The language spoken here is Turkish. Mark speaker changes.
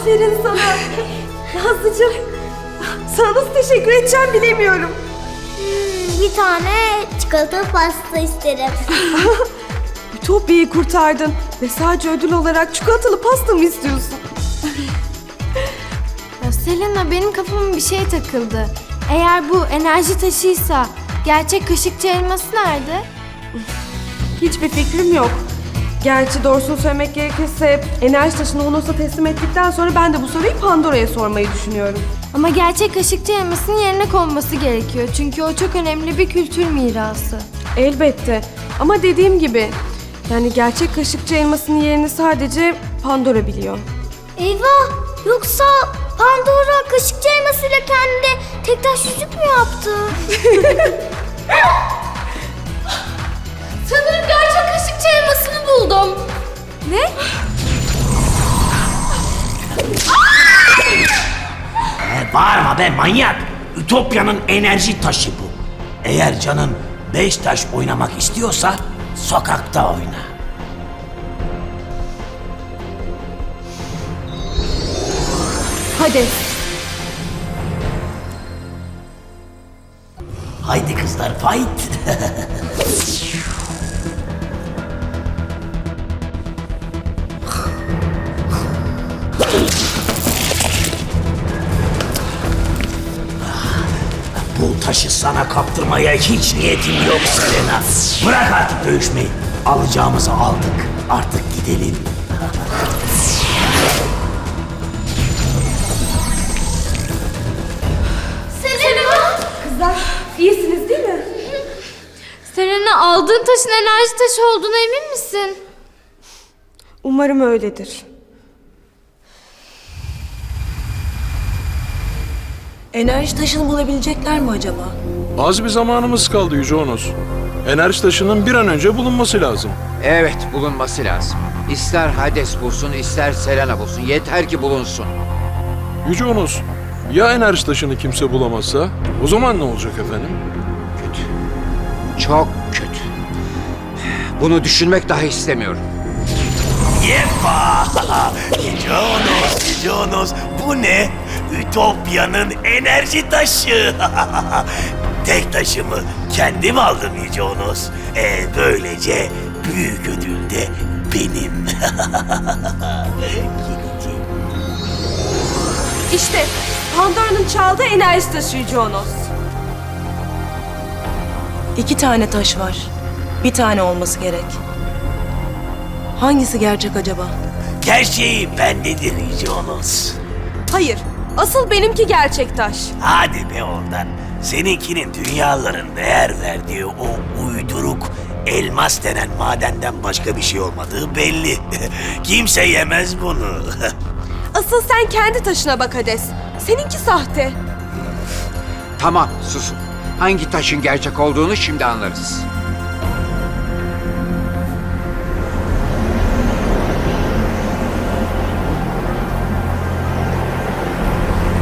Speaker 1: Aferin sana. Nazlıcığım, sana nasıl teşekkür edeceğim bilemiyorum.
Speaker 2: Bir tane çikolatalı pasta isterim.
Speaker 1: Ütopya'yı kurtardın ve sadece ödül olarak çikolatalı pasta mı istiyorsun?
Speaker 3: Ya Selena, benim kafama bir şey takıldı. Eğer bu enerji taşıysa gerçek kaşıkçı elması nerede?
Speaker 1: Hiçbir fikrim yok. Gerçi doğrusunu söylemek gerekirse enerji taşını Honos'a teslim ettikten sonra ben de bu soruyu Pandora'ya sormayı düşünüyorum.
Speaker 3: Ama gerçek kaşıkçı elmasının yerine konması gerekiyor. Çünkü o çok önemli bir kültür mirası.
Speaker 1: Elbette ama dediğim gibi yani gerçek kaşıkçı elmasının yerini sadece Pandora biliyor.
Speaker 2: Eyvah! Yoksa Pandora kaşıkçı elmasıyla kendine tek taş yüzük mü yaptı? Sanırım gerçek kaşıkçı elmasını buldum.
Speaker 3: Ne?
Speaker 4: Bağırma be manyak. Ütopya'nın enerji taşı bu. Eğer canın 5 taş oynamak istiyorsa sokakta oyna.
Speaker 1: Hadi.
Speaker 4: Haydi kızlar fight. Bu taşı sana kaptırmaya hiç niyetim yok Selena. Bırak artık dövüşmeyi. Alacağımızı aldık. Artık gidelim.
Speaker 2: Selena!
Speaker 1: Kızlar iyisiniz değil mi?
Speaker 3: Selena, aldığın taşın enerji taşı olduğuna emin misin?
Speaker 1: Umarım öyledir.
Speaker 5: Enerji taşını bulabilecekler mi acaba?
Speaker 6: Az bir zamanımız kaldı Yüce Onos. Enerji taşının bir an önce bulunması lazım.
Speaker 7: Evet, bulunması lazım. İster Hades bulsun, ister Selena bulsun. Yeter ki bulunsun.
Speaker 6: Yüce Onos, ya enerji taşını kimse bulamazsa? O zaman ne olacak efendim?
Speaker 7: Kötü. Çok kötü. Bunu düşünmek dahi istemiyorum.
Speaker 4: Yepa! Yüce Onos, bu ne? Ütopya'nın enerji taşı. Tek taşımı kendim aldım Yüce Onos. Böylece büyük ödül de benim.
Speaker 1: İşte Pandora'nın çaldığı enerji taşı Yüce Onos.
Speaker 5: 2 tane taş var. Bir tane olması gerek. Hangisi gerçek acaba?
Speaker 4: Gerçeği bendedir Yüce Onos.
Speaker 1: Hayır, asıl benimki gerçek taş.
Speaker 4: Hadi be oradan. Seninkinin dünyaların değer verdiği o uyduruk elmas denen madenden başka bir şey olmadığı belli. Kimse yemez bunu.
Speaker 1: Asıl sen kendi taşına bak Hades. Seninki sahte.
Speaker 7: Tamam, susun. Hangi taşın gerçek olduğunu şimdi anlarız.